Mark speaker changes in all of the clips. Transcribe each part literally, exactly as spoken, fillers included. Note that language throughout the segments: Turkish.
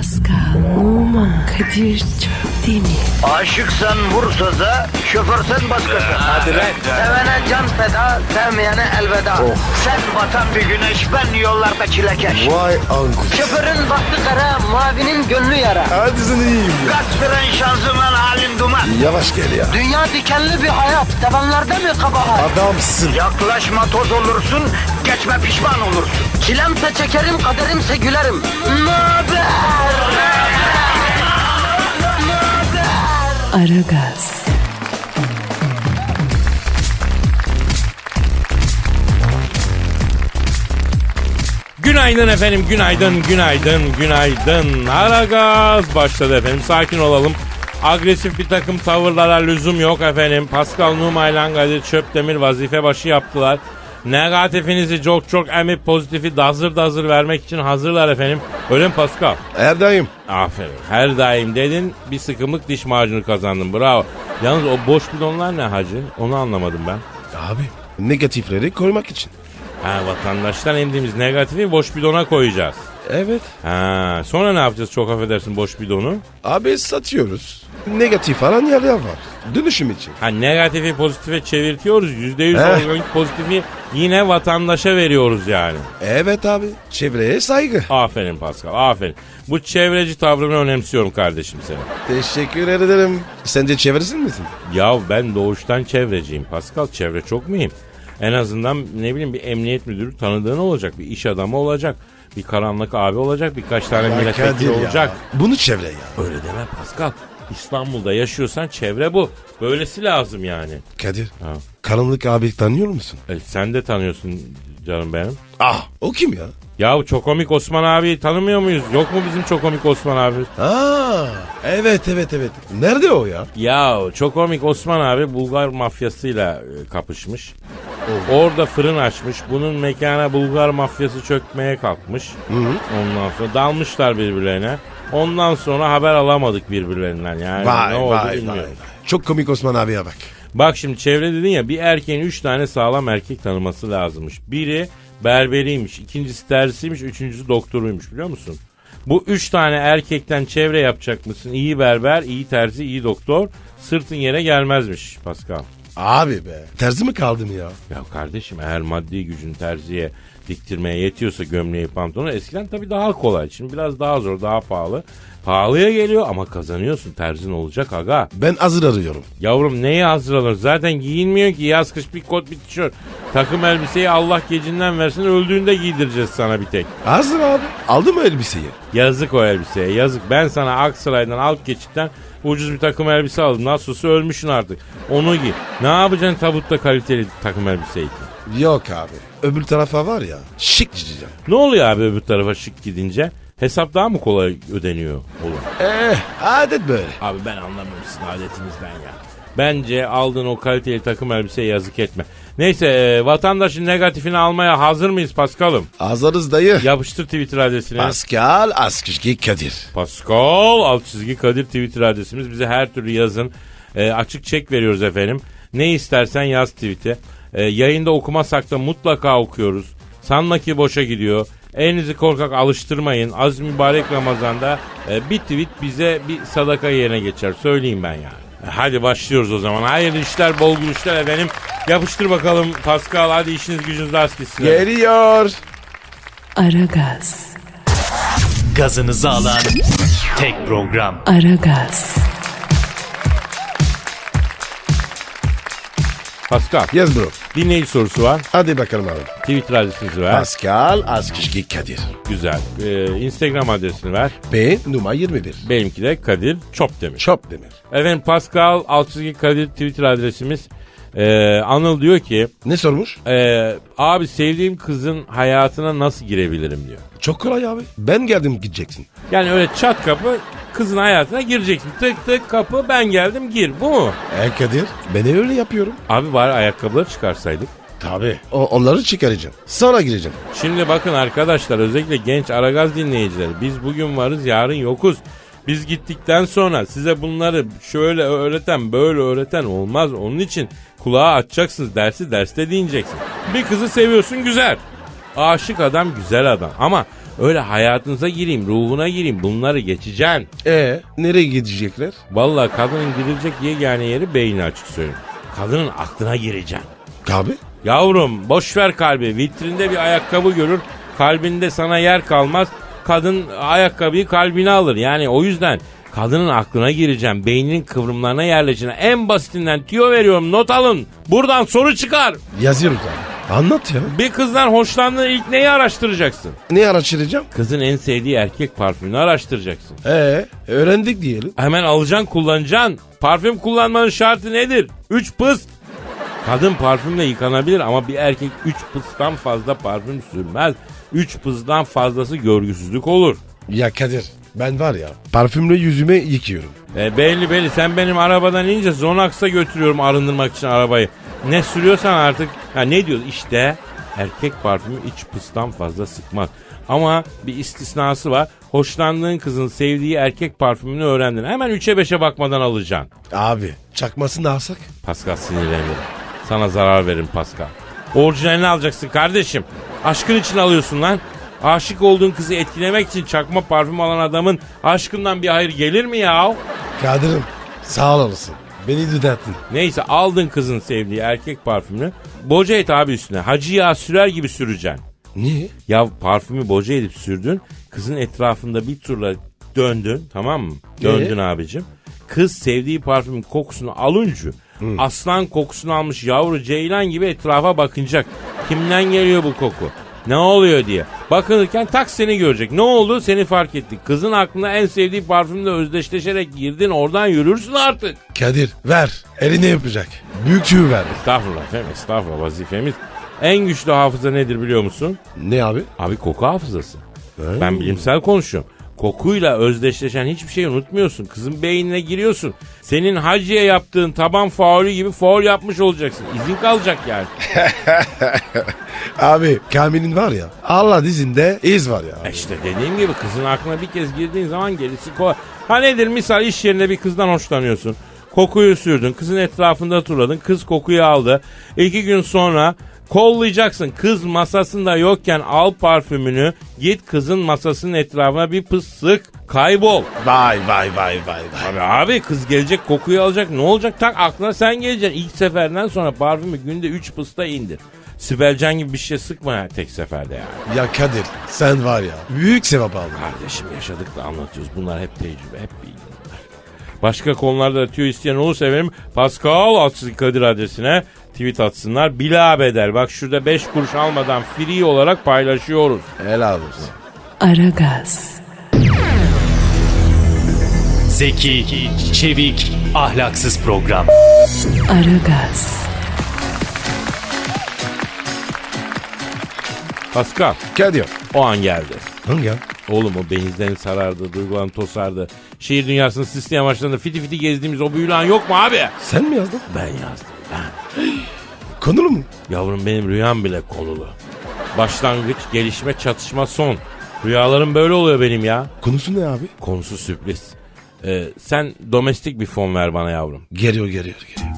Speaker 1: Pascal, Oman, Kadir çok değil mi?
Speaker 2: Aşıksan vursa da, şoförsen başkasın.
Speaker 3: Hadi lan.
Speaker 2: Sevene can feda, sevmeyene elveda. Sen batan bir güneş, ben yollarda çilekeş.
Speaker 3: Vay anku.
Speaker 2: Şoförün baktı kara, mavinin gönlü yara.
Speaker 3: Hadi sen iyiyim ya.
Speaker 2: Kasperen şanzıman halin duman.
Speaker 3: Yavaş gel ya.
Speaker 2: Dünya dikenli bir hayat, sevenlerde mi kabahar?
Speaker 3: Adamsın.
Speaker 2: Yaklaşma toz olursun, geçme pişman olursun. Çilemse çekerim, kaderimse gülerim. Möber!
Speaker 1: Aragaz,
Speaker 4: Günaydın efendim, günaydın, günaydın, günaydın. Aragaz başladı efendim. Sakin olalım. Agresif bir takım tavırlara lüzum yok efendim. Pascal Numa ile Kadir Çöpdemir vazife başı yaptılar. Negatifinizi çok çok emip pozitifi dazır dazır vermek için hazırlar efendim. Öyle mi Pascal?
Speaker 3: Her daim.
Speaker 4: Aferin. Her daim dedin, bir sıkımlık diş macunu kazandın. Bravo. Yalnız o boş bidonlar ne hacı? Onu anlamadım ben.
Speaker 3: Abi negatifleri koymak için.
Speaker 4: Ha, vatandaştan emdiğimiz negatifi boş bidona koyacağız.
Speaker 3: Evet.
Speaker 4: Ha, sonra ne yapacağız, çok affedersin, boş bidonu?
Speaker 3: Abi satıyoruz. Negatif falan yerler var. Dönüşüm için.
Speaker 4: Ha, negatifi pozitife çevirtiyoruz. Yüzde yüz
Speaker 3: Eh.
Speaker 4: organik pozitifi yine vatandaşa veriyoruz yani.
Speaker 3: Evet abi. Çevreye saygı.
Speaker 4: Aferin Pascal, aferin. Bu çevreci tavrını önemsiyorum kardeşim senin.
Speaker 3: Teşekkür ederim. Sence çevresin misin?
Speaker 4: Ya ben doğuştan çevreciyim Pascal. Çevre çok mühim. En azından ne bileyim bir emniyet müdürü tanıdığın olacak. Bir iş adamı olacak. Bir karanlık abi olacak. Birkaç tane
Speaker 3: Ya
Speaker 4: milletvekili
Speaker 3: Kadir ya.
Speaker 4: olacak.
Speaker 3: Bunu çevre ya.
Speaker 4: Öyle deme Pascal. İstanbul'da yaşıyorsan çevre bu. Böylesi lazım yani.
Speaker 3: Kadir.
Speaker 4: Ha.
Speaker 3: Karanlık abi tanıyor musun?
Speaker 4: E, sen de tanıyorsun canım benim.
Speaker 3: Ah. O kim ya?
Speaker 4: Ya çok komik Osman abi tanımıyor muyuz? Yok mu bizim çok komik Osman abi?
Speaker 3: Aa. Evet evet evet. Nerede o ya?
Speaker 4: Ya çok komik Osman abi Bulgar mafyasıyla e, kapışmış. Orada fırın açmış. Bunun mekana Bulgar mafyası çökmeye kalkmış. Ondan sonra dalmışlar birbirlerine. Ondan sonra haber alamadık birbirlerinden. Yani
Speaker 3: Vay
Speaker 4: ne oldu
Speaker 3: vay vay.
Speaker 4: bilmiyorum.
Speaker 3: Çok komik Osman abiye bak.
Speaker 4: Bak şimdi çevre dedin ya, bir erkeğin üç tane sağlam erkek tanıması lazımmış. Biri berberiymiş, ikincisi terzisiymiş, üçüncüsü doktoruymuş, biliyor musun? Bu üç tane erkekten çevre yapacak mısın? İyi berber, iyi terzi, iyi doktor, sırtın yere gelmezmiş Pascal.
Speaker 3: Abi be. Terzi mi kaldım ya?
Speaker 4: Ya kardeşim, eğer maddi gücün terziye diktirmeye yetiyorsa gömleği pantolonu, eskiden tabii daha kolay. Şimdi biraz daha zor, daha pahalı. Pahalıya geliyor ama kazanıyorsun, terzin olacak aga.
Speaker 3: Ben hazır arıyorum.
Speaker 4: Yavrum neye hazır alır? Zaten giyinmiyor ki, yaz kış bir kot bir tişört. Takım elbiseyi Allah gecinden versin, öldüğünde giydireceğiz sana bir tek.
Speaker 3: Hazır abi. Aldın mı elbiseyi?
Speaker 4: Yazık o elbiseye, yazık. Ben sana Aksaray'dan alt geçitten ucuz bir takım elbise aldım. Nasılsa ölmüşsün artık. Onu giy. Ne yapacaksın tabutta kaliteli takım elbiseyi?
Speaker 3: Yok abi. Öbür tarafa var ya. Şık gideceğim.
Speaker 4: Ne oluyor abi öbür tarafa şık gidince? Hesap daha mı kolay ödeniyor olur?
Speaker 3: Eh adet böyle.
Speaker 4: Abi ben anlamıyorum sizin adetinizden ya. Bence aldığın o kaliteli takım elbiseye yazık etme. Neyse e, vatandaşın negatifini almaya hazır mıyız Paskal'ım?
Speaker 3: Hazırız dayı.
Speaker 4: Yapıştır Twitter adresini.
Speaker 3: Pascal Askışki Kadir.
Speaker 4: Pascal alt çizgi Kadir Twitter adresimiz. Bize her türlü yazın. E, açık çek veriyoruz efendim. Ne istersen yaz tweet'e. E, yayında okumasak da mutlaka okuyoruz. Sanma ki boşa gidiyor. Elinizi korkak alıştırmayın. Az mübarek Ramazan'da e, bir tweet bize bir sadaka yerine geçer. Söyleyeyim ben yani. E, hadi başlıyoruz o zaman. Hayırlı işler, bol gülüşler efendim. Yapıştır bakalım Pascal. Hadi işiniz gücünüz rast gitsin.
Speaker 3: Geliyor.
Speaker 1: Aragaz,
Speaker 5: Gazınızı alan tek program.
Speaker 1: Aragaz,
Speaker 4: Pascal,
Speaker 3: Yes bro.
Speaker 4: dinleyici sorusu var.
Speaker 3: Hadi bakalım abi.
Speaker 4: Twitter adresinizi ver.
Speaker 3: Pascal Askışki Kadir.
Speaker 4: Güzel. Ee, Instagram adresini ver.
Speaker 3: B numara yirmi bir.
Speaker 4: Benimki de Kadir Çopdemir.
Speaker 3: Çop demir.
Speaker 4: Efendim Pascal Altçizgi Kadir Twitter adresimiz. Ee, Anıl diyor ki
Speaker 3: Ne sormuş?
Speaker 4: e, abi sevdiğim kızın hayatına nasıl girebilirim diyor.
Speaker 3: Çok kolay abi. Ben geldim gideceksin.
Speaker 4: Yani öyle çat kapı kızın hayatına gireceksin. Tık tık kapı ben geldim gir, bu mu?
Speaker 3: E Kadir ben öyle yapıyorum.
Speaker 4: Abi bari ayakkabıları çıkarsaydık.
Speaker 3: Tabii. O, onları çıkaracağım. Sonra gireceğim.
Speaker 4: Şimdi bakın arkadaşlar, özellikle genç Aragaz dinleyicileri, biz bugün varız yarın yokuz. Biz gittikten sonra size bunları şöyle öğreten böyle öğreten olmaz. Onun için kulağa açacaksınız, dersi derste dinleyeceksin. Bir kızı seviyorsun, güzel. Aşık adam güzel adam ama Öyle hayatınıza gireyim, ruhuna gireyim, bunları geçeceksin.
Speaker 3: E nereye gidecekler?
Speaker 4: Vallahi kadının girilecek yegane yeri beyni, açık söyleyeyim. Kadının aklına gireceksin.
Speaker 3: Abi?
Speaker 4: Yavrum boş ver kalbi. Vitrinde bir ayakkabı görür, kalbinde sana yer kalmaz. Kadın ayakkabıyı kalbine alır. Yani o yüzden kadının aklına gireceğim. Beyninin kıvrımlarına yerleşeceğim. En basitinden tüyo veriyorum, not alın. Buradan soru çıkar.
Speaker 3: Yazıyoruz abi. Anlat ya.
Speaker 4: Bir kızdan hoşlandığın ilk neyi araştıracaksın?
Speaker 3: Ne araştıracağım?
Speaker 4: Kızın en sevdiği erkek parfümünü araştıracaksın.
Speaker 3: E öğrendik diyelim.
Speaker 4: Hemen alacaksın, kullanacaksın. Parfüm kullanmanın şartı nedir? Üç pıst. Kadın parfümle yıkanabilir ama bir erkek üç pıstan fazla parfüm sürmez. Üç pıstan fazlası görgüsüzlük olur.
Speaker 3: Ya Kadir ben var ya parfümle yüzüme yıkıyorum.
Speaker 4: E belli belli, sen benim arabadan inince Zonax'a götürüyorum arındırmak için arabayı. Ne sürüyorsan artık, ha ne diyoruz işte, erkek parfümü üç pıstan fazla sıkmaz. Ama bir istisnası var. Hoşlandığın kızın sevdiği erkek parfümünü öğrendin. Hemen üçe beşe bakmadan alacaksın.
Speaker 3: Abi çakmasını alsak?
Speaker 4: Pascal sinirlenirim. Sana zarar veririm Pascal. Orijinalini alacaksın kardeşim. Aşkın için alıyorsun lan. Aşık olduğun kızı etkilemek için çakma parfüm alan adamın aşkından bir hayır gelir mi ya?
Speaker 3: Kadir'im sağ olasın. Beni düzelttin.
Speaker 4: Neyse, aldın kızın sevdiği erkek parfümünü. Boca et abi üstüne. Hacı yağı sürer gibi süreceksin.
Speaker 3: Niye?
Speaker 4: Ya parfümü boca edip sürdün. Kızın etrafında bir turla döndün, tamam mı? Döndün
Speaker 3: Ee?
Speaker 4: abicim. Kız sevdiği parfümün kokusunu alınca aslan kokusunu almış yavru ceylan gibi etrafa bakınacak. Kimden geliyor bu koku? Ne oluyor diye. Bakınırken tak seni görecek. Ne oldu? Seni fark etti. Kızın aklına en sevdiği parfümle özdeşleşerek girdin. Oradan yürürsün artık.
Speaker 3: Kadir ver. Eline yapacak. Büyük tüy ver.
Speaker 4: Estağfurullah efendim, estağfurullah, vazifemiz. En güçlü hafıza nedir biliyor musun?
Speaker 3: Ne abi?
Speaker 4: Abi koku hafızası. Ben bilimsel konuşuyorum. Kokuyla özdeşleşen hiçbir şeyi unutmuyorsun. Kızın beynine giriyorsun. Senin hacıya yaptığın taban faulü gibi faul yapmış olacaksın. İzin kalacak yani.
Speaker 3: Abi Kamil'in var ya Allah dizinde iz var ya.
Speaker 4: E İşte dediğim gibi kızın aklına bir kez girdiğin zaman gerisi kolay. Ha nedir, misal iş yerinde bir kızdan hoşlanıyorsun. Kokuyu sürdün, kızın etrafında turladın, kız kokuyu aldı. İki gün sonra kollayacaksın. Kız masasında yokken al parfümünü, git kızın masasının etrafına bir pıs sık, kaybol.
Speaker 3: Vay vay vay vay vay.
Speaker 4: Abi, abi kız gelecek, kokuyu alacak, ne olacak? Tak aklına sen geleceksin. İlk seferden sonra parfümü günde üç pısta indir. Sibelcan gibi bir şey sıkma ya tek seferde yani.
Speaker 3: Ya Kadir sen var ya büyük sevap aldın.
Speaker 4: Kardeşim yaşadıkla anlatıyoruz. Bunlar hep tecrübe, hep bilgi. Başka konularda tüyo isteyen olursa efendim Pascal Altçızı Kadir adresine tweet atsınlar. Bilabedel. Bak şurada beş kuruş almadan free olarak paylaşıyoruz.
Speaker 3: Helal olsun.
Speaker 1: Aragaz,
Speaker 5: Zeki, çevik, ahlaksız program.
Speaker 1: Aragaz,
Speaker 4: Pascal,
Speaker 3: Kadir.
Speaker 4: o an geldi.
Speaker 3: Hangi ya?
Speaker 4: Oğlum o benizlerini sarardı, duygularını tosardı. Şehir dünyasını sisli amaçlarında fiti fiti gezdiğimiz o büyülü an yok mu abi?
Speaker 3: Sen mi yazdın?
Speaker 4: Ben yazdım ben.
Speaker 3: Konulu mu?
Speaker 4: Yavrum benim rüyam bile konulu. Başlangıç, gelişme, çatışma, son. Rüyalarım böyle oluyor benim ya.
Speaker 3: Konusu ne abi?
Speaker 4: Konusu sürpriz. Ee, sen domestik bir fon ver bana yavrum.
Speaker 3: Geliyor geliyor geliyor.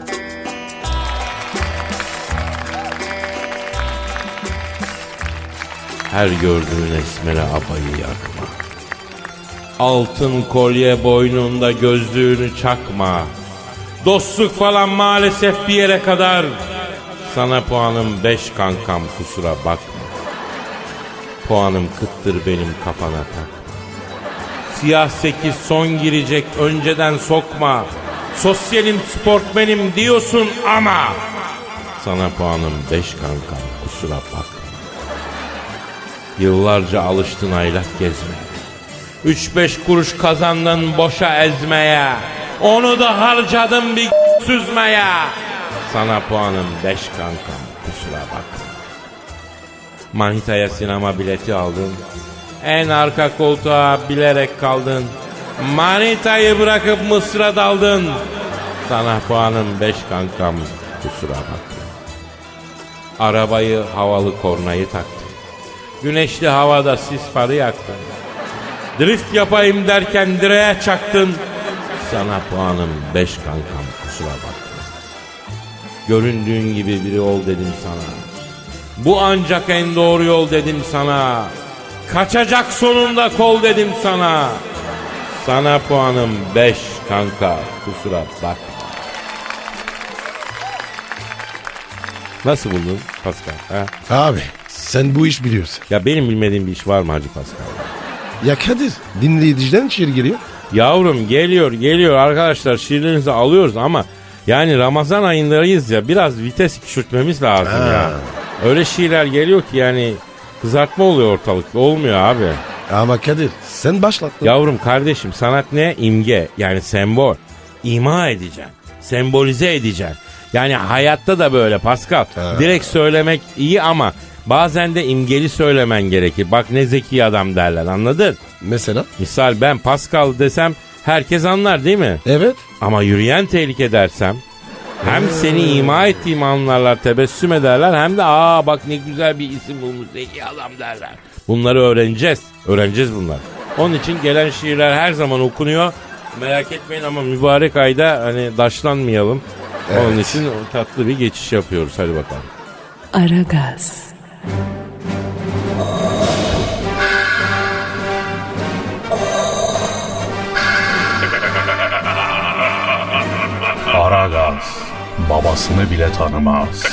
Speaker 4: Her gördüğün esmere abayı yakma. Altın kolye boynunda gözlüğünü çakma. Dostluk falan maalesef bir yere kadar. Sana puanım beş kankam, kusura bakma. Puanım kıttır benim, kafana takma. Siyah sekiz son girecek, önceden sokma. Sosyalim sportmenim diyorsun ama sana puanım beş kankam, kusura bakma. Yıllarca alıştın aylak gezmeye. Üç beş kuruş kazandın boşa ezmeye. Onu da harcadın bir süzmeye. Sana puanım beş kankam, kusura bakma. Manitaya sinema bileti aldın. En arka koltuğa bilerek kaldın. Manitayı bırakıp Mısır'a daldın. Sana puanım beş kankam, kusura bakma. Arabayı havalı kornayı taktın. Güneşli havada sis farı yaktın. Drift yapayım derken direğe çaktın. Sana puanım beş kankam, kusura bakma. Göründüğün gibi biri ol dedim sana. Bu ancak en doğru yol dedim sana. Kaçacak sonunda kol dedim sana. Sana puanım beş kanka. Kusura bak. Nasıl buldun Pascal? Ha?
Speaker 3: Abi sen bu iş biliyorsun.
Speaker 4: Ya benim bilmediğim bir iş var mı Hacı Pascal?
Speaker 3: Ya Kadir dinleyiciden şiir geliyor.
Speaker 4: Yavrum geliyor geliyor arkadaşlar, şiirlerinizi alıyoruz ama yani Ramazan ayındayız ya, biraz vites küçültmemiz lazım
Speaker 3: Ha.
Speaker 4: ya. Öyle şiirler geliyor ki yani kızartma oluyor ortalıkta, olmuyor abi.
Speaker 3: Ama Kadir sen başlattın.
Speaker 4: Yavrum kardeşim, sanat ne? İmge, yani sembol. İma edeceksin, sembolize edeceksin. Yani hayatta da böyle Pascal.
Speaker 3: Ha.
Speaker 4: Direkt söylemek iyi ama bazen de imgeli söylemen gerekir. Bak ne zeki adam derler, anladın?
Speaker 3: Mesela?
Speaker 4: Misal ben Pascal desem herkes anlar değil mi?
Speaker 3: Evet.
Speaker 4: Ama yürüyen tehlike dersem hem seni ima ettiğimi anlarlar, tebessüm ederler, hem de aa bak ne güzel bir isim bulmuş, zeki adam derler. Bunları öğreneceğiz. Öğreneceğiz bunlar. Onun için gelen şiirler her zaman okunuyor. Merak etmeyin ama mübarek ayda hani daşlanmayalım.
Speaker 3: Evet.
Speaker 4: Onun için tatlı bir geçiş yapıyoruz. Hadi bakalım.
Speaker 1: Aragaz,
Speaker 5: Aragaz babasını bile tanımaz.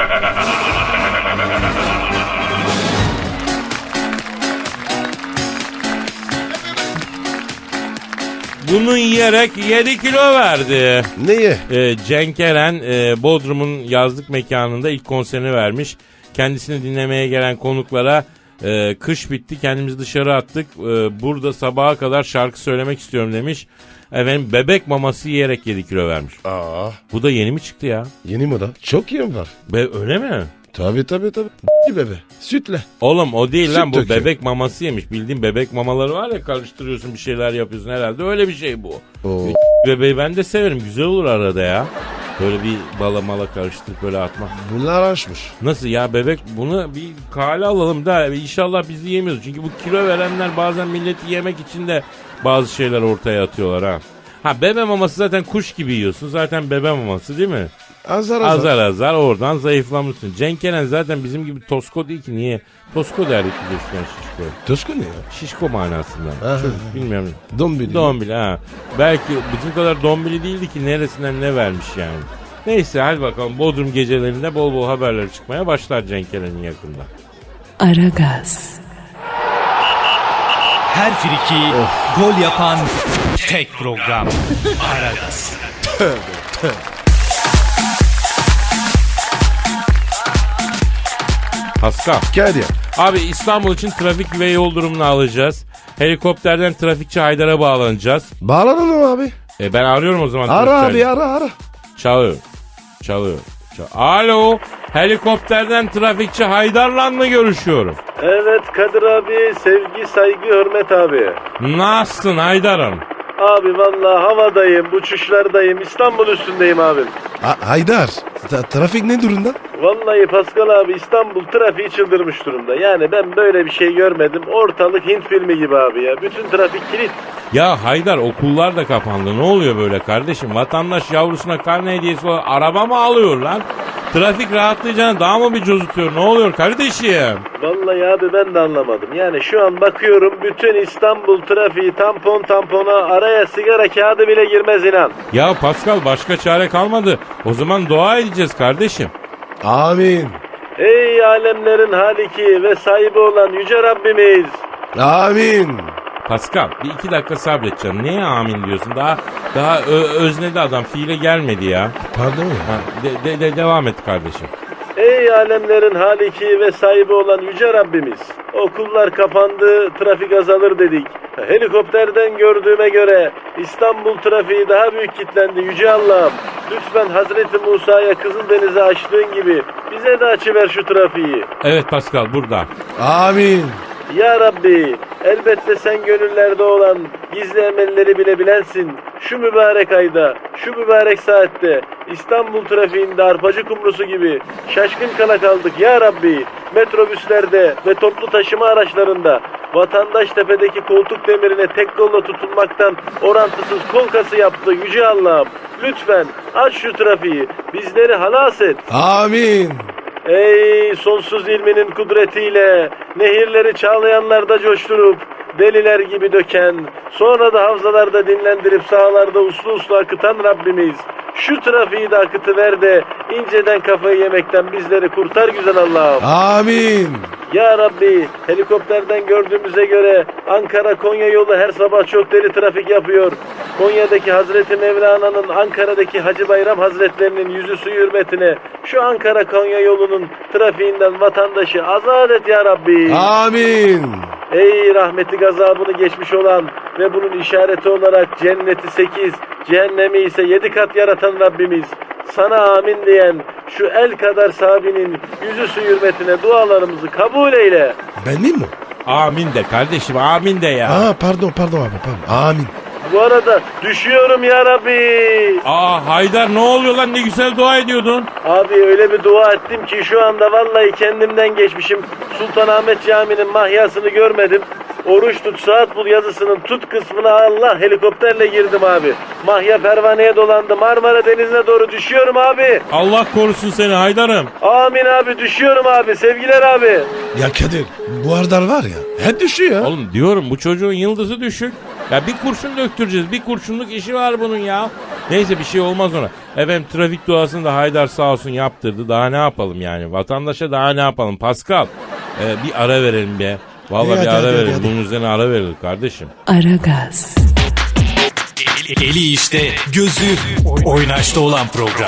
Speaker 4: Bunu yiyerek yedi kilo verdi.
Speaker 3: Neye?
Speaker 4: Ee, Cenk Eren e, Bodrum'un yazlık mekanında ilk konserini vermiş. Kendisini dinlemeye gelen konuklara e, kış bitti, kendimizi dışarı attık. E, burada sabaha kadar şarkı söylemek istiyorum demiş. Efendim bebek maması yiyerek yedi kilo vermiş.
Speaker 3: Aa,
Speaker 4: Bu da yeni mi çıktı ya?
Speaker 3: yeni moda. Çok yem var.
Speaker 4: Be öyle mi?
Speaker 3: Tabii tabii tabii. Bebe. Sütle.
Speaker 4: Oğlum o değil
Speaker 3: Süt
Speaker 4: lan, bu
Speaker 3: döküyor.
Speaker 4: bebek maması yemiş. Bildiğin bebek mamaları var ya, karıştırıyorsun bir şeyler yapıyorsun, herhalde öyle bir şey bu.
Speaker 3: Oo.
Speaker 4: Bebeği ben de severim, güzel olur arada ya. Böyle bir bala mala karıştırıp böyle atmak.
Speaker 3: Bunlar açmış.
Speaker 4: Nasıl ya bebek, bunu bir kale alalım da inşallah bizi yemiyoruz. Çünkü bu kilo verenler bazen milleti yemek için de bazı şeyler ortaya atıyorlar ha. Ha bebe maması zaten kuş gibi yiyorsun, zaten bebe maması değil mi?
Speaker 3: Azar azar.
Speaker 4: Azar azar oradan zayıflamışsın. Cenk Eren zaten bizim gibi tosko değil ki, niye? Tosko derdik biz eskiden şişko.
Speaker 3: Tosko ne ya?
Speaker 4: Şişko manasında.
Speaker 3: Aha.
Speaker 4: Çocuk bilmiyorum.
Speaker 3: Dombili.
Speaker 4: Dombili ha. Belki bizim kadar dombili değildi ki, neresinden ne vermiş yani. Neyse hadi bakalım, Bodrum gecelerinde bol bol haberler çıkmaya başlar Cenk Eren'in yakında.
Speaker 1: Aragaz,
Speaker 5: Her friki gol yapan tek program. Aragaz.
Speaker 4: Pascal.
Speaker 3: Kadir.
Speaker 4: Abi İstanbul için trafik ve yol durumunu alacağız. Helikopterden trafikçi Haydar'a bağlanacağız.
Speaker 3: Bağlanalım abi.
Speaker 4: E ben arıyorum o zaman.
Speaker 3: Ara
Speaker 4: trafikçi
Speaker 3: abi ara ara.
Speaker 4: Çalıyor. Çalıyor. Çal- Alo. Helikopterden trafikçi Haydar'la mı görüşüyorum?
Speaker 6: Evet Kadir abi, sevgi, saygı, hürmet abi.
Speaker 4: Nasılsın Haydar'ım?
Speaker 6: Abi vallahi havadayım, uçuşlardayım, İstanbul üstündeyim abim.
Speaker 3: Ha- Haydar. ta- trafik ne durumda?
Speaker 6: Vallahi Pascal abi, İstanbul trafiği çıldırmış durumda. Yani ben böyle bir şey görmedim. Ortalık Hint filmi gibi abi ya. Bütün trafik kilit.
Speaker 4: Ya Haydar, okullar da kapandı. Ne oluyor böyle kardeşim? Vatandaş yavrusuna karne hediyesi olarak araba mı alıyor lan? Trafik rahatlayacağına daha mı bir cozutuyor? Ne oluyor kardeşim?
Speaker 6: Vallahi abi ben de anlamadım. Yani şu an bakıyorum, bütün İstanbul trafiği tampon tampona, araya sigara kağıdı bile girmez inan.
Speaker 4: Ya Pascal, başka çare kalmadı. O zaman dua edeceğiz kardeşim.
Speaker 3: Amin.
Speaker 6: Ey alemlerin haliki ve sahibi olan yüce Rabbimiz.
Speaker 3: Amin.
Speaker 4: Pascal bir iki dakika sabredeceksin. Neye amin diyorsun? Daha daha ö- öznedi adam, fiile gelmedi ya.
Speaker 3: Pardon ya.
Speaker 4: Ha, de, de, de devam et kardeşim.
Speaker 6: Ey alemlerin haliki ve sahibi olan yüce Rabbimiz. Okullar kapandı, trafik azalır dedik. Helikopterden gördüğüme göre İstanbul trafiği daha büyük kilitlendi yüce Allah'ım. Lütfen Hazreti Musa'ya Kızıldeniz'i açtığın gibi bize de açıver şu trafiği.
Speaker 4: Evet Pascal, burada.
Speaker 3: Amin.
Speaker 6: Ya Rabbi, elbette sen gönüllerde olan gizli emelleri bile bilensin. Şu mübarek ayda, şu mübarek saatte İstanbul trafiğinde arpacı kumrusu gibi şaşkın kala kaldık ya Rabbi. Metrobüslerde ve toplu taşıma araçlarında vatandaş tepedeki koltuk demirine tek kolla tutunmaktan orantısız kol kası yaptı yüce Allah'ım. Lütfen aç şu trafiği, bizleri halas et.
Speaker 3: Amin.
Speaker 6: Ey sonsuz ilminin kudretiyle nehirleri çağlayanlarda coşturup deliler gibi döken, sonra da havzalarda dinlendirip sahalarda uslu uslu akıtan Rabbimiz, şu trafiği de akıtıver de inceden kafayı yemekten bizleri kurtar güzel Allah'ım.
Speaker 3: Amin.
Speaker 6: Ya Rabbi, helikopterden gördüğümüze göre Ankara-Konya yolu her sabah çok deli trafik yapıyor. Konya'daki Hazreti Mevlana'nın Ankara'daki Hacı Bayram Hazretlerinin yüzü suyu hürmetine şu Ankara-Konya yolunun trafiğinden vatandaşı azat et ya Rabbi.
Speaker 3: Amin.
Speaker 6: Ey rahmeti gazabını geçmiş olan ve bunun işareti olarak cenneti sekiz, cehennemi ise yedi kat yaratan Rabbimiz, sana amin diyen şu el kadar sahabinin yüzü su hürmetine dualarımızı kabul eyle.
Speaker 3: Benim mi?
Speaker 4: Amin de kardeşim, amin de ya.
Speaker 3: Aa pardon pardon abi pardon. Amin.
Speaker 6: Bu arada düşüyorum ya Rabbi.
Speaker 4: Aa Haydar, ne oluyor lan, ne güzel dua ediyordun.
Speaker 6: Abi öyle bir dua ettim ki şu anda vallahi kendimden geçmişim. Sultanahmet Camii'nin mahyasını görmedim. Oruç tut saat bul yazısının tut kısmına Allah helikopterle girdim abi. Mahya pervaneye dolandı, Marmara Denizi'ne doğru düşüyorum abi.
Speaker 4: Allah korusun seni Haydar'ım.
Speaker 6: Amin abi, düşüyorum abi, sevgiler abi.
Speaker 3: Ya Kadir bu Ardar var ya hep düşüyor.
Speaker 4: Oğlum diyorum, bu çocuğun yıldızı düşük. Ya bir kurşun döktüreceğiz. Bir kurşunluk işi var bunun ya. Neyse, bir şey olmaz ona. Efendim trafik duasını da Haydar sağ olsun yaptırdı. Daha ne yapalım yani? Vatandaşa daha ne yapalım? Pascal, e, bir ara verelim be. Vallahi
Speaker 3: Evet,
Speaker 4: bir ara
Speaker 3: hadi,
Speaker 4: verelim.
Speaker 3: hadi.
Speaker 4: Bunun üzerine ara verilir kardeşim.
Speaker 1: Aragaz,
Speaker 5: Eli, eli işte, gözü oynaşta olan program.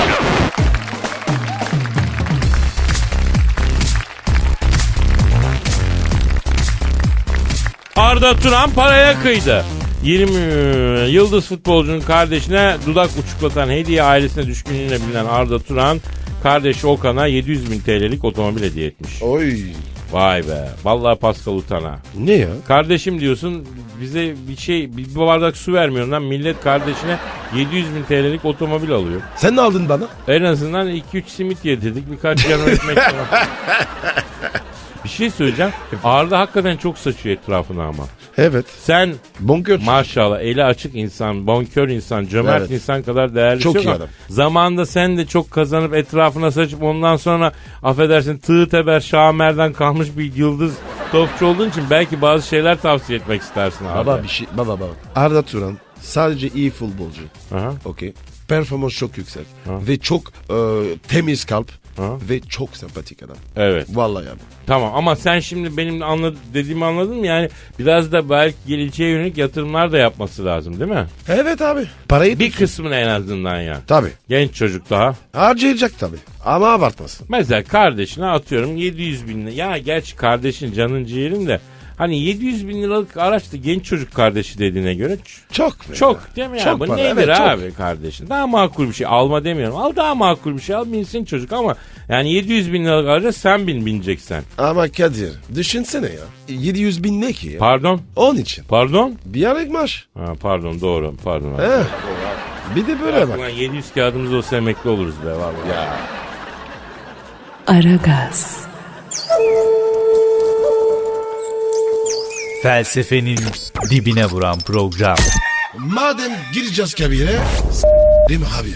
Speaker 4: Arda Turan paraya kıydı. yirmi yıldız futbolcunun kardeşine dudak uçuklatan hediye ailesine düşkünlüğüne bilinen Arda Turan, kardeşi Okan'a yedi yüz bin T L'lik otomobil hediye etmiş.
Speaker 3: Oy.
Speaker 4: Vay be. Vallahi Pascal utana.
Speaker 3: Ne ya?
Speaker 4: Kardeşim diyorsun, bize bir şey, bir bardak su vermiyorsun lan. Millet kardeşine yedi yüz bin T L'lik otomobil alıyor.
Speaker 3: Sen ne aldın bana?
Speaker 4: En azından iki üç simit yedirdik, birkaç yarım ekmek falan. Bir şey söyleyeceğim. Arda hakikaten çok saçıyor etrafına ama.
Speaker 3: Evet.
Speaker 4: Sen
Speaker 3: Bonkör.
Speaker 4: maşallah eli açık insan, bonkör insan, cömert
Speaker 3: Evet.
Speaker 4: insan kadar değerli
Speaker 3: Çok
Speaker 4: şey
Speaker 3: iyi
Speaker 4: yok.
Speaker 3: adam.
Speaker 4: Zamanında sen de çok kazanıp etrafına saçıp ondan sonra affedersin tığ teber şamerden kalmış bir yıldız topçu olduğun için belki bazı şeyler tavsiye etmek istersin abi.
Speaker 3: Baba bir şey. Baba baba. Arda Turan sadece iyi futbolcu.
Speaker 4: Aha.
Speaker 3: Okey. Performans çok yüksek.
Speaker 4: Ha.
Speaker 3: Ve çok e, temiz kalp.
Speaker 4: Ha.
Speaker 3: Ve çok sempatik adam.
Speaker 4: Evet.
Speaker 3: Vallahi abi.
Speaker 4: Tamam ama sen şimdi benim anlad dediğimi anladın mı? Yani biraz da belki geleceğe yönelik yatırımlar da yapması lazım değil mi?
Speaker 3: Evet abi. Parayı
Speaker 4: Bir
Speaker 3: tutsun.
Speaker 4: kısmını en azından ya.
Speaker 3: Tabii.
Speaker 4: Genç çocuk daha.
Speaker 3: Harcayacak tabii. Ama abartmasın.
Speaker 4: Mesela kardeşine atıyorum yedi yüz bin lira. Ya gerçi kardeşin canın ciğerin de. Hani yedi yüz bin liralık araçta genç çocuk kardeşi dediğine göre ç-
Speaker 3: Çok.
Speaker 4: çok değil mi ya?
Speaker 3: Çok
Speaker 4: Bu
Speaker 3: para,
Speaker 4: nedir
Speaker 3: evet, çok.
Speaker 4: abi kardeşin? Daha makul bir şey alma demiyorum. Al daha makul bir şey al, binsin çocuk ama yani yedi yüz bin liralık araca sen bin bineceksen.
Speaker 3: Ama Kadir düşünsene ya. yedi yüz bin ne ki ya?
Speaker 4: Pardon?
Speaker 3: Onun için.
Speaker 4: Pardon?
Speaker 3: Bir aylık maaş.
Speaker 4: Ha, pardon doğru pardon.
Speaker 3: He. Bir de böyle bak.
Speaker 4: Ulan yedi yüz kağıdımız olsa emekli oluruz be vallahi.
Speaker 3: Ya.
Speaker 1: Aragaz,
Speaker 5: Felsefenin dibine vuran program.
Speaker 3: Madem gireceğiz kabire. Değil mi abi?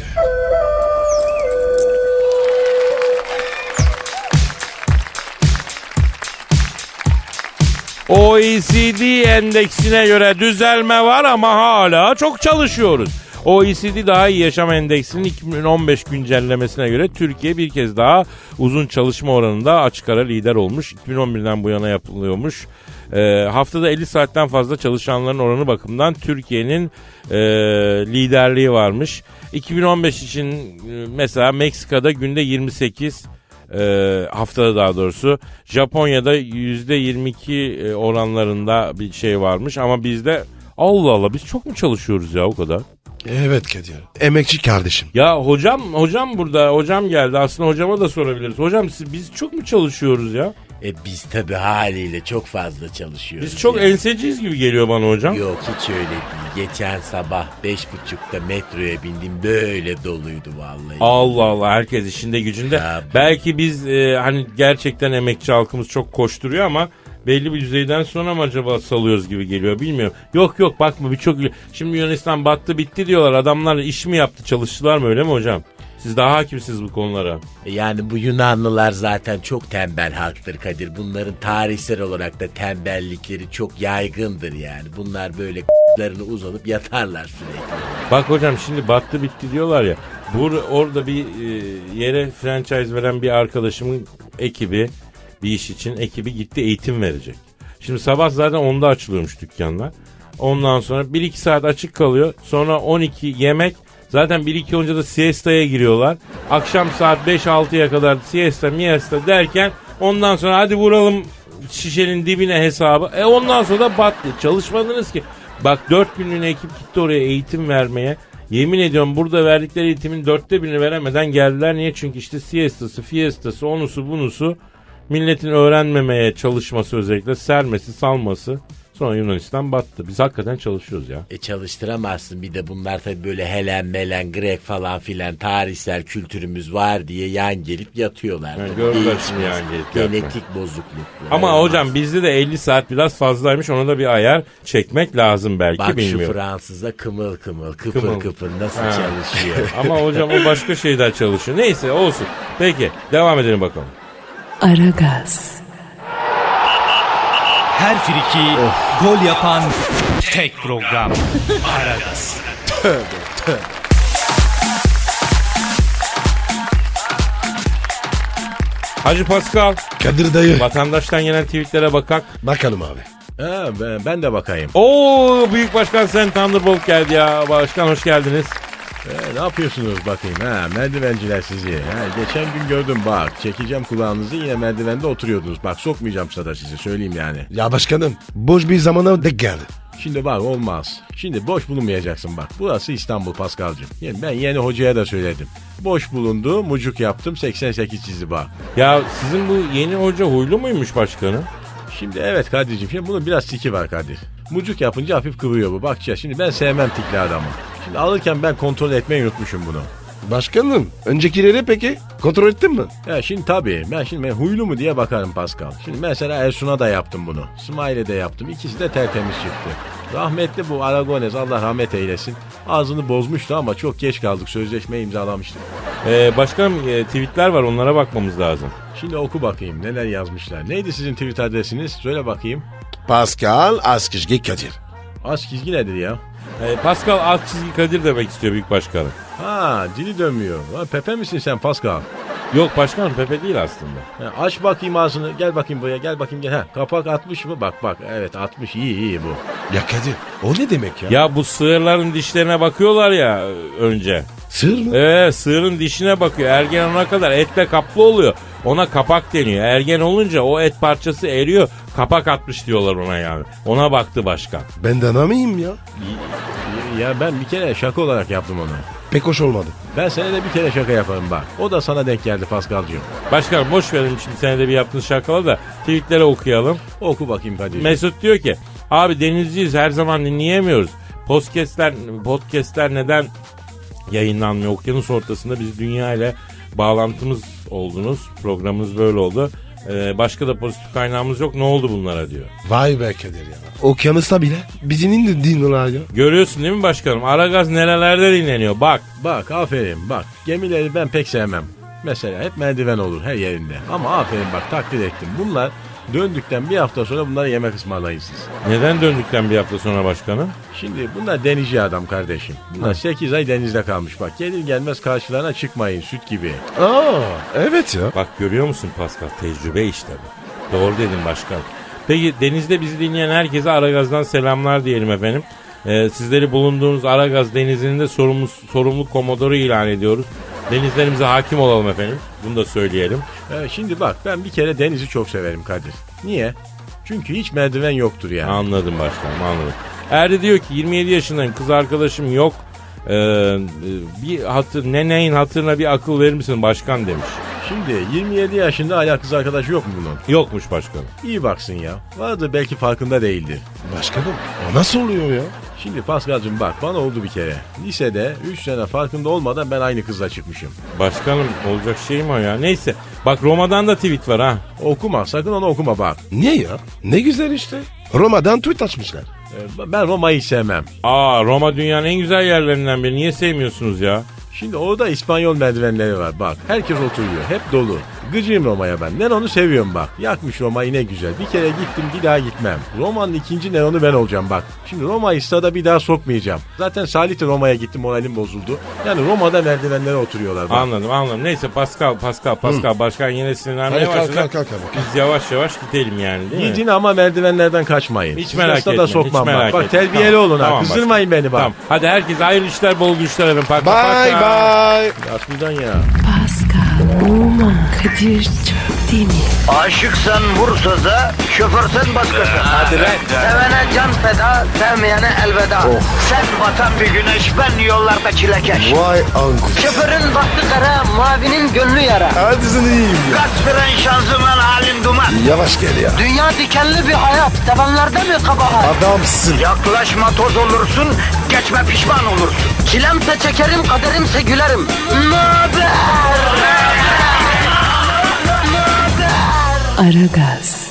Speaker 4: O E C D endeksine göre düzelme var ama hala çok çalışıyoruz. O E C D Daha İyi Yaşam Endeksinin iki bin on beş güncellemesine göre Türkiye bir kez daha uzun çalışma oranında açık ara lider olmuş. iki bin on birden bu yana yapılıyormuş. Ee, haftada elli saatten fazla çalışanların oranı bakımından Türkiye'nin e, liderliği varmış. iki bin on beş için e, mesela Meksika'da günde yirmi sekiz, e, haftada daha doğrusu. Japonya'da yüzde yirmi iki oranlarında bir şey varmış ama bizde Allah Allah biz çok mu çalışıyoruz ya o kadar?
Speaker 3: Evet Kadir. Emekçi kardeşim.
Speaker 4: Ya hocam hocam burada hocam geldi, aslında hocama da sorabiliriz. Hocam siz, biz çok mu çalışıyoruz ya?
Speaker 7: E biz tabi haliyle çok fazla çalışıyoruz.
Speaker 4: Biz çok
Speaker 7: yani.
Speaker 4: enseciyiz gibi geliyor bana hocam.
Speaker 7: Yok hiç öyle değil. Geçen sabah beş buçukta metroya bindim, böyle doluydu vallahi.
Speaker 4: Allah Allah, herkes işinde gücünde.
Speaker 7: Tabii.
Speaker 4: Belki biz e, hani gerçekten emekçi halkımız çok koşturuyor ama belli bir düzeyden sonra mı acaba salıyoruz gibi geliyor, bilmiyorum. Yok yok bakma birçok, şimdi Yunanistan battı bitti diyorlar, adamlar iş mi yaptı, çalıştılar mı, öyle mi hocam? Siz Siz daha hakimsiniz bu konulara.
Speaker 7: Yani bu Yunanlılar zaten çok tembel halktır Kadir. Bunların tarihsel olarak da tembellikleri çok yaygındır yani. Bunlar böyle k***larını uzanıp yatarlar sürekli.
Speaker 4: Bak hocam şimdi battı bitti diyorlar ya. Bur orada bir e, yere franchise veren bir arkadaşımın ekibi bir iş için ekibi gitti eğitim verecek. Şimdi sabah zaten onda açılıyormuş dükkanlar. Ondan sonra bir iki saat açık kalıyor. Sonra on iki yemek. Zaten bir iki olunca da siesta'ya giriyorlar. Akşam saat beş altıya kadar siesta miesta derken ondan sonra hadi vuralım şişenin dibine hesabı. E ondan sonra da battı. Çalışmadınız ki. Bak dört günlüğüne ekip gitti oraya eğitim vermeye. Yemin ediyorum burada verdikleri eğitimin dörtte birini veremeden geldiler. Niye? Çünkü işte siestası, fiestası, onusu bunusu milletin öğrenmemeye çalışması özellikle sermesi, salması. Sonra Yunanistan battı. Biz hakikaten çalışıyoruz ya.
Speaker 7: E çalıştıramazsın bir de bunlar tabii böyle Helen, Melen, Grek falan filan tarihsel kültürümüz var diye yan gelip yatıyorlar.
Speaker 4: Yani gördüler şimdi yan gelip yatmayı.
Speaker 7: Genetik bozukluk.
Speaker 4: Ama
Speaker 7: Olmaz.
Speaker 4: hocam bizde de elli saat biraz fazlaymış. Ona da bir ayar çekmek lazım belki
Speaker 7: Bak
Speaker 4: bilmiyorum.
Speaker 7: şu Fransız'a kımıl kımıl, kıpır
Speaker 4: Kımıl.
Speaker 7: kıpır nasıl
Speaker 4: Ha.
Speaker 7: çalışıyor.
Speaker 4: Ama hocam o başka şeyden çalışıyor. Neyse olsun. Peki devam edelim bakalım.
Speaker 1: Aragaz,
Speaker 5: Her friki gol yapan tek program. Aragaz.
Speaker 4: Hacı Pascal,
Speaker 3: Kadir dayı.
Speaker 4: vatandaştan gelen tweetlere bakak.
Speaker 3: Bakalım abi.
Speaker 7: Ha, ben, ben de bakayım.
Speaker 4: Oo Büyük Başkan sen Thunderbolt geldi ya. Başkan hoş geldiniz.
Speaker 7: Ee, ne yapıyorsunuz bakayım ha merdivenciler sizi. Ha, geçen gün gördüm bak çekeceğim kulağınızı yine merdivende oturuyordunuz. Bak sokmayacağım sada sizi söyleyeyim yani.
Speaker 3: Ya başkanım boş bir zamana denk geldi.
Speaker 7: Şimdi bak olmaz. Şimdi boş bulunmayacaksın bak. Burası İstanbul Paskal'cığım. Yani ben yeni hocaya da söyledim. Boş bulundu mucuk yaptım seksen sekiz çizdi bak.
Speaker 4: Ya sizin bu yeni hoca huylu muymuş başkanım?
Speaker 7: Şimdi evet Kadir'cim şimdi bunun biraz tiki var Kadir. Mucuk yapınca hafif kıvırıyor bu. Bak ya şimdi ben sevmem tikli adamı. Şimdi alırken ben kontrol etmeyi unutmuşum bunu.
Speaker 3: Başkanım öncekileri peki kontrol ettin mi?
Speaker 7: Ya şimdi tabii ben şimdi ben huylu mu diye bakarım Pascal. Şimdi mesela Ersun'a da yaptım bunu. Smile'e de yaptım. İkisi de tertemiz çıktı. Rahmetli bu Aragones Allah rahmet eylesin. Ağzını bozmuştu ama çok geç kaldık. Sözleşmeyi imzalamıştık.
Speaker 4: Ee, başkanım e, tweetler var onlara bakmamız lazım.
Speaker 7: Şimdi oku bakayım neler yazmışlar. Neydi sizin tweet adresiniz? Söyle bakayım.
Speaker 3: Pascal Askışgi Kadir.
Speaker 7: Az çizgi nedir ya?
Speaker 4: Ee, Pascal alt çizgi Kadir demek istiyor Büyük Başkanım.
Speaker 7: Ha dili dönmüyor. Ha, Pepe misin sen Pascal?
Speaker 4: Yok başkanım Pepe değil aslında.
Speaker 7: Ha, aç bakayım ağzını. Gel bakayım buraya. Gel bakayım gel. Ha, kapak atmış mı? Bak bak. Evet atmış. İyi iyi bu.
Speaker 3: Ya Kadir o ne demek ya?
Speaker 4: Ya bu sığırların dişlerine bakıyorlar ya e, önce.
Speaker 3: Sığır mı?
Speaker 4: Ee, sığırın dişine bakıyor. Ergen olana kadar etle kaplı oluyor. Ona kapak deniyor. Ergen olunca o et parçası eriyor. Kapak atmış diyorlar ona yani. Ona baktı başkan.
Speaker 3: Ben de anamayayım ya.
Speaker 7: Ya ben bir kere şaka olarak yaptım onu.
Speaker 3: Pek hoş olmadı.
Speaker 7: Ben senede bir kere şaka yaparım bak. O da sana denk geldi Paskal'cığım.
Speaker 4: Başkanım boş verin şimdi senede bir yaptığınız şakaları da tweetleri okuyalım.
Speaker 7: Oku bakayım Kadir.
Speaker 4: Mesut diyor ki abi denizciyiz her zaman dinleyemiyoruz. Podcastler, podcastler neden yayınlanmıyor? Okyanus ortasında biz dünya ile bağlantımız oldunuz. Programımız böyle oldu. Ee, başka da pozitif kaynağımız yok. Ne oldu bunlara diyor.
Speaker 3: Vay be Kadir ya. Okyanusta bile bizi indi dinliyorlar ya.
Speaker 4: Görüyorsun değil mi başkanım? Aragaz nerelerde dinleniyor? Bak.
Speaker 7: Bak aferin bak. Gemileri ben pek sevmem. Mesela hep merdiven olur her yerinde. Ama aferin bak takdir ettim. Bunlar döndükten bir hafta sonra bunlara yemek ısmarlayın siz.
Speaker 4: Neden döndükten bir hafta sonra başkanım?
Speaker 7: Şimdi bunlar denizci adam kardeşim. Bunlar sekiz ay denizde kalmış bak. Gelir gelmez karşılarına çıkmayın süt gibi.
Speaker 3: Aa evet ya.
Speaker 4: Bak görüyor musun Pascal? Tecrübe işte bu. Doğru dedin başkan. Peki denizde bizi dinleyen herkese Aragaz'dan selamlar diyelim efendim. Ee, sizleri bulunduğunuz Aragaz denizinin de sorumlu, sorumlu komodoru ilan ediyoruz. Denizlerimize hakim olalım efendim. Bunu da söyleyelim.
Speaker 7: Ee, şimdi bak ben bir kere denizi çok severim Kadir. Niye? Çünkü hiç merdiven yoktur yani.
Speaker 4: Anladım başkanım anladım. Erdi diyor ki yirmi yedi yaşındayım kız arkadaşım yok. Ee, bir hatır ne neyin hatırına bir akıl verir misin başkan demiş.
Speaker 7: Şimdi yirmi yedi yaşında hala kız arkadaşı yok mu bunun?
Speaker 4: Yokmuş başkanım.
Speaker 7: İyi baksın ya. Vardı belki farkında değildir.
Speaker 3: Başkanım o nasıl oluyor ya?
Speaker 7: Şimdi Paskal'cığım bak bana oldu bir kere. Lisede üç sene farkında olmadan ben aynı kızla çıkmışım.
Speaker 4: Başkanım olacak şey mi o ya? Neyse bak Roma'dan da tweet var ha.
Speaker 7: Okuma sakın onu okuma bak.
Speaker 3: Niye ya? Ne güzel işte. Roma'dan tweet açmışlar.
Speaker 7: Ee, ben Roma'yı sevmem.
Speaker 4: Aa Roma dünyanın en güzel yerlerinden biri. Niye sevmiyorsunuz ya?
Speaker 7: Şimdi orada İspanyol merdivenleri var bak. Herkes oturuyor. Hep dolu. Gıcığım Roma'ya ben. Neron'u seviyorum bak. Yakmış Roma'yı ne güzel. Bir kere gittim bir daha gitmem. Roma'nın ikinci Neron'u ben olacağım bak. Şimdi Roma'yı stada bir daha sokmayacağım. Zaten Salih de Roma'ya gittim moralim bozuldu. Yani Roma'da merdivenlere oturuyorlar bak.
Speaker 4: Anladım anladım. Neyse Pascal Pascal Pascal başkan yine sinirlenmeye
Speaker 3: Hadi kalk,
Speaker 4: başladı.
Speaker 3: kalk, kalk, kalk.
Speaker 4: Biz yavaş yavaş gidelim yani değil mi?
Speaker 7: Gidin ama merdivenlerden kaçmayın.
Speaker 4: Hiç
Speaker 7: Sizi
Speaker 4: merak
Speaker 7: stada
Speaker 4: etme.
Speaker 7: sokmam
Speaker 4: hiç merak
Speaker 7: bak. Bak
Speaker 4: etme.
Speaker 7: terbiyeli
Speaker 4: Tamam,
Speaker 7: olun ha.
Speaker 4: tamam
Speaker 7: Kızdırmayın beni bak.
Speaker 4: Tamam. Hadi herkes hayırlı işler bol güçler efendim. Paka,
Speaker 3: Bye
Speaker 4: paka.
Speaker 3: bye.
Speaker 7: Aslından ya.
Speaker 1: Pascal, Oman, Kadir çok değil mi?
Speaker 2: Aşıksan vursa da, şoförsen başkasın. Hadi
Speaker 4: lan.
Speaker 2: Sevene can feda, sevmeyene elveda. Sen batan bir güneş, ben yollarda çilekeş.
Speaker 3: Vay anku.
Speaker 2: Şoförün baktı kara, mavinin gönlü yara.
Speaker 3: Hadi sen iyiyim ya.
Speaker 2: Kasperen şanzıman halin duman.
Speaker 3: Yavaş gel ya.
Speaker 2: Dünya dikenli bir hayat, sevenlerde mi kabahar?
Speaker 3: Adamsın.
Speaker 2: Yaklaşma toz olursun, geçme pişman olursun. Çilemse çekerim, kaderimse gülerim. Möber!
Speaker 1: Aragaz.